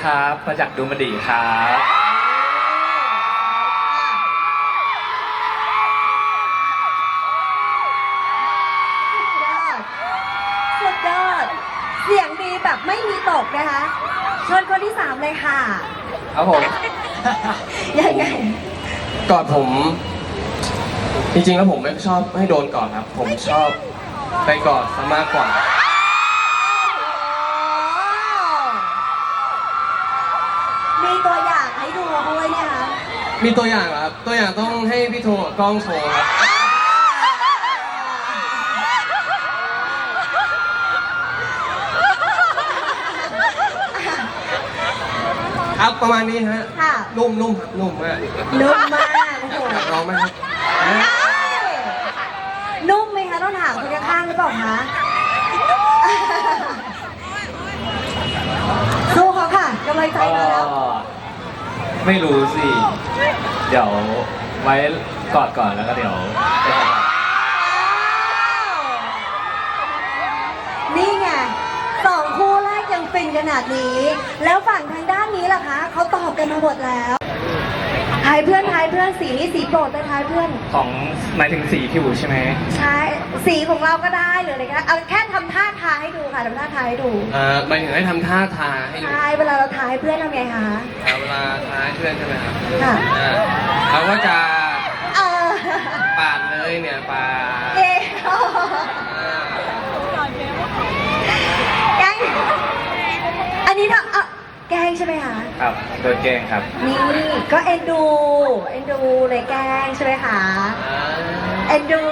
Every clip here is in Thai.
ครับมาจากดูมันดีครับสุดยอดเสียงดีแบบไม่มีตกนะคะเชิญคนที่สามเลยค่ะครับผมยังไงกอดผม จริงๆแล้วผมไม่ชอบให้โดนกอดครับ ผมชอบไปกอดซะมากกว่ามีตัวอย่างให้ดูด้วยเนี่ยคะมีตัวอย่างเหรอครับ ตัวอย่างต้องให้พี่โทกับกล้องโชว์ครับครับประมาณนี้ฮะค่ะนุ่มครับนุ่มมากนุ่มมากโอ้โหอยากลองไหมครับนุ่มไหมคะต้องถามคนข้างๆหรือเปล่าคะสู้เขาค่ะกำลังใจมาแล้วไม่รู้สิ เดี๋ยวไว้กอดก่อนแล้วก็เดี๋ยวไปทำงานนี่ไงสองคู่แรกยังฟินขนาดนี้ แล้วฝั่งทางด้านนี้ล่ะคะเขาตอบกันมาหมดแล้วทายเพื่อนสีนี้สีโปรดแต่ทายเพื่อนของหมายถึงสีผิวใช่ไหมใช่สีของเราก็ได้หรืออะไรก็ได้เอาแค่ทำท่าทายให้ดูค่ะทำท่าทายให้ดูหมายถึงให้ทำท่าทาให้ดูทายเวลาเราทายเพื่อนทำไงคะเวลาทาให้เพื่อนใช่ไหมครับค่ะเขาก็จะเออปาดเลยเนี่ยปาดเอ๊ะแกล้งอันนี้ถ้าแกล้งใช่ไหมคะครับโดนแกล้งครับนี่ก็เอ็นดูเลยแกล้งใช่ไหมคะเอ็นดู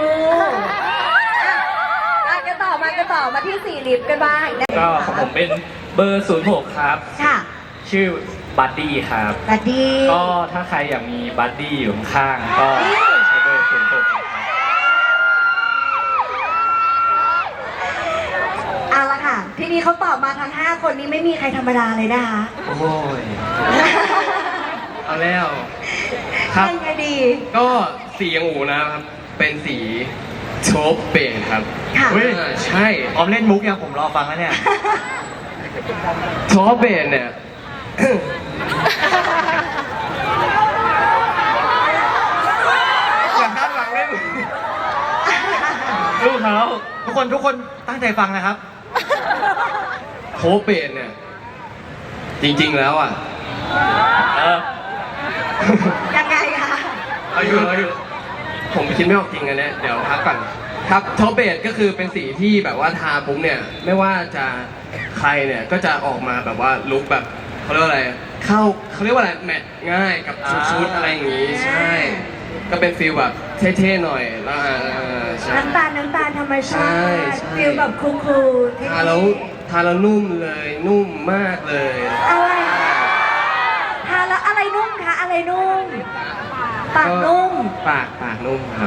กันต่อมาที่สี่ลิฟต์กันบ้างนะคะก็ของผมเป็นเบอร์ 06 ครับค่ะชื่อบัดดี้ครับสวัสดีก็ถ้าใครอยากมีบัดดี้อยู่ข้างๆก็ใช้เบอร์ 06 ครับเอาละค่ะ ทีนี้เขาตอบมาทั้ง5คนนี้ไม่มีใครธรรมดาเลยนะคะโอ้ยเอาแล้วครับยังไงดีก็สีอย่างอูนะครับ เป็นสีโชบเปนครับค่ะเฮ้ยใช่ออมเล่นมุกยังผมรอฟังแล้วเนี่ยโชบเปนเนี่ย อย่าคาดหวังเล่นลูกเขาทุกคนตั้งใจฟังนะครับโชบเปนเนี่ย จริงๆแล้วอ่ะยังไงคะเอาอยู่ผมคิดไม่ออกจริงอันเนี้ยเดี๋ยวพักก่อนครับท็อปเบดก็คือเป็นสีที่แบบว่าทาปุ๊บเนี่ยไม่ว่าจะใครเนี่ยก็จะออกมาแบบว่าลุคแบบเขาเรียกว่าอะไรเขาเรียกว่าอะไรแมทง่ายกับชุดอะไรอย่างงี้ใช่ ก็เป็นฟีลแบบเท่ๆหน่อยแล้วใช่น้ำตาลธรรมชาใช่ติใช่ฟิลแบบคูลๆเท่ๆทาแล้วนุ่มเลยนุ่มมากเลยอะไรทานแล้วอะไรนุ่มคะอะไรนุ่มปากนุ่มปากนุ่มครับ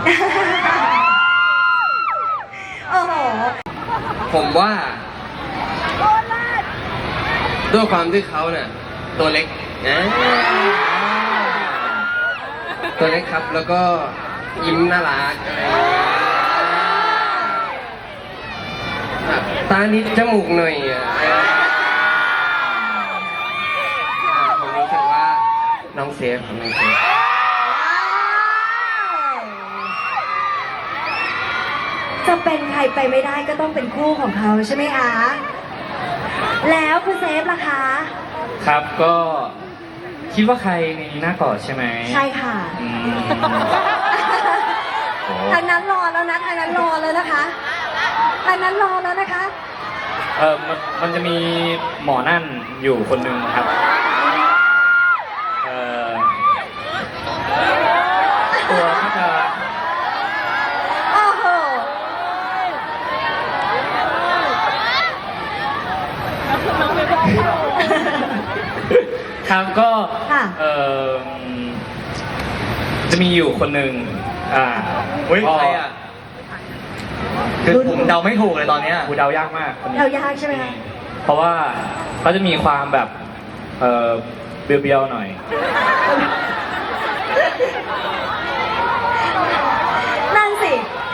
โอ้โหผมว่าด้วยความที่เขาเนี่ยตัวเล็กนะตัวเล็กครับแล้วก็ยิ้มน่ารักอะไรอย่างเงี้ยแบบตานิดจมูกหน่อยผมรู้สึกว่าน้องเซฟครับน้องเซฟจะเป็นใครไปไม่ได้ก็ต้องเป็นคู่ของเขาใช่ไหมคะ แล้วคุณเซฟล่ะคะครับก็คิดว่าใครในหน้ากอดใช่ไหมใช่ค่ะอืมโอ้ทางนั้นรอแล้วนะทางนั้นรอแล้วนะคะทางนั้นรอแล้วนะคะมันจะมีหมอนั่นอยู่คนหนึ่งครับ ตัวก็จะโอ้โหครับก็ค่ะจะมีอยู่คนหนึ่งเฮ้ยใครอ่ะ คือผมเดาไม่ถูกเลยตอนเนี้ยกูเดายากมากคนนี้เรายากใช่ไหมคะเพราะว่าเขาจะมีความแบบเบียวๆหน่อยนั่นสิ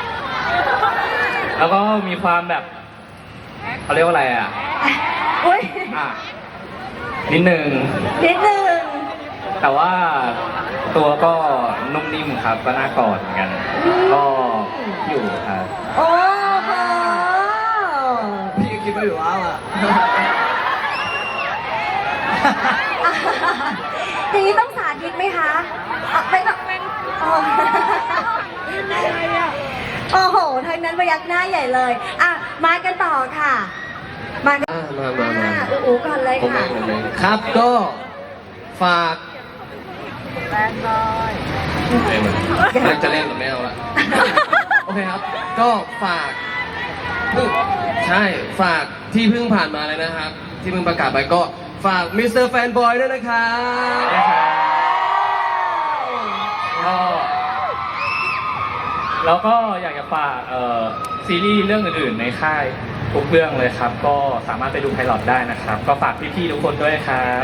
แล้วก็มีความแบบเขาเรียกว่าอะไรอ่ะอุ้ยอ่ะนิดนึงนิดนึงแต่ว่าตัวก็นุ่มนิ่มครับ ก็น่ากอดเหมือนกัน ก็อยู่ครับโอ้โหพี่ก็คิดว่าอยู่แล้วอ่ะอย่างนี้ต้องสาธิตไหมคะเป็นแบบอ๋อโอ้โหทางนั้นพยักหน้าใหญ่เลยอ่ะมากันต่อค่ะมากันมาอู๋ก่อนเลยผมเอค่ะงผมเองครับก็ฝากอยากจะเล่นแต่ไม่เอาละ โอเคครับ ก็ฝากใช่ ฝากที่เพิ่งผ่านมาเลยนะครับ ที่เพิ่งประกาศไปก็ฝากมิสเตอร์แฟนบอยด้วยนะครับก็แล้วก็อยากจะฝากซีรีส์เรื่องอื่นๆในค่ายทุกเรื่องเลยครับ ก็สามารถไปดูไพลอตได้นะครับ ก็ฝากพี่ๆทุกคนด้วยครับ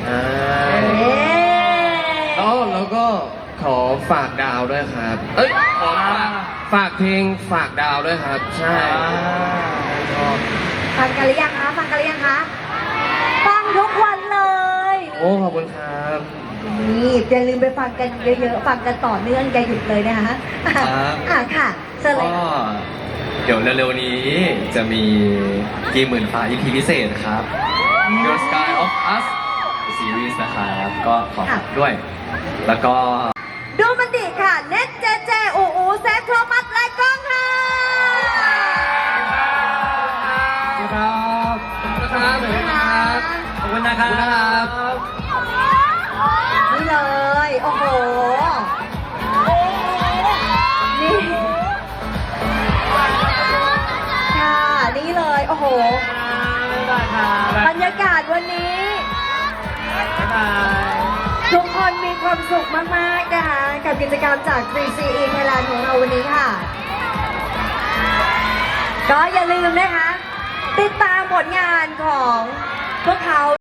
แล้วก็ขอฝากดาวด้วยครับ เอ้ยขอฝากเพลงฝากดาวด้วยครับ ใช่ฟังกันหรือยังคะฟังกันหรือยังคะฟังทุกวันเลยโอ้ขอบคุณครับนี่อย่าลืมไปฟังกันเยอะๆฟังกันต่อเนื่องอย่าหยุดเลยนะคะค่ะเชิญเลยก็เดี๋ยวเร็วๆนี้จะมีกีหมื่นฟ้า EP พิเศษครับ Your Sky of Us Series นะครับ ก็ขอฝากด้วย แล้วก็ดูมันดีค่ะเน็ตเจเจอูเซฟโทมัสและกล้องค่ะครับขอบคุณนะครับขอบคุณนะครับนี่เลย โอ้โห นี่ ค่ะ นี่เลย โอ้โห บรรยากาศวันนี้ ทุกคนมีความสุขมากๆนะคะกับกิจกรรมจาก 3CE Thailand ของเราวันนี้ค่ะ ก็อย่าลืมนะคะ ติดตามผลงานของพวกเขา